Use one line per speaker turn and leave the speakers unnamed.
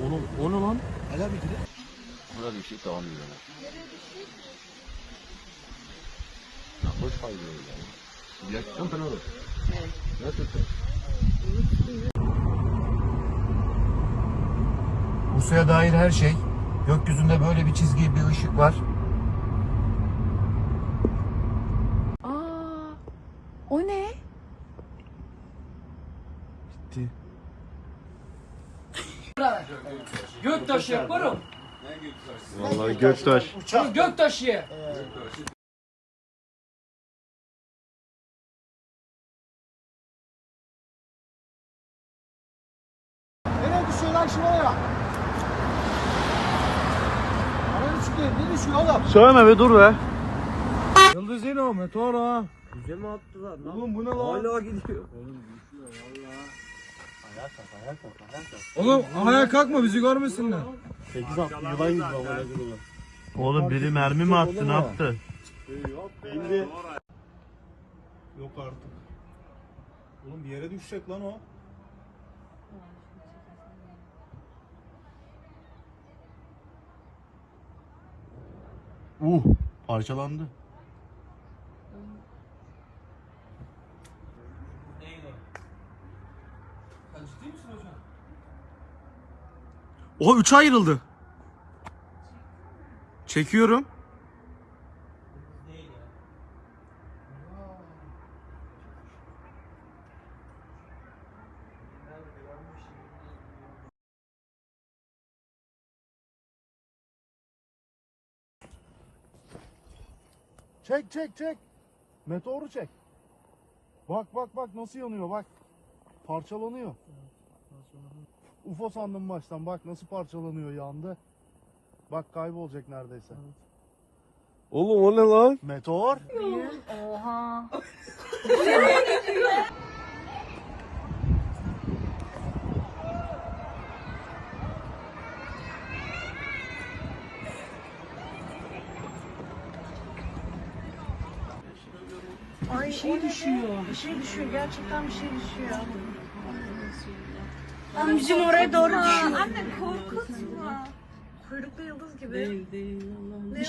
Oğlum o ne lan?
Hala bir gire.
Burada bir şey tamam diyor. Ya hoş fayda öyle. Gerçekten fena olur. Evet. Nasılsın?
Bu suya dair her şey. Gökyüzünde böyle bir çizgi, bir ışık var.
Aa, o ne?
Bitti.
Göktaşı yaparım.
Vallahi Göktaş.
Göktaşı.
Nereye düşüyor lan şu oraya? Araya çıkıyor. Ne düşüyor oğlum?
Söyleme be dur be.
Yıldız yine o meteor ha.
Bize mi attılar?
Oğlum bu ne lan?
Hala gidiyor.
Oğlum ayağa kalkma bizi görmesinler.
8 attı yılan gibi havada gibi.
Oğlum biri mermi mi attı ne yaptı?
Yok artık. Oğlum bir yere düşecek lan o.
Parçalandı.
Oha 3'e ayrıldı. Çekiyorum.
Çek çek çek. Meteoru çek. Bak bak bak nasıl yanıyor bak. Parçalanıyor. UFO sandım baştan bak nasıl parçalanıyor yandı. Bak kaybolacak neredeyse.
Oğlum o ne lan?
Meteor.
Oha. Ay, bir şey düşüyor. Bir şey düşüyor. Gerçekten bir şey düşüyor. Bizim oraya doğru düşüyor. Anne korkutma. Kuyruklu yıldız gibi. Değil.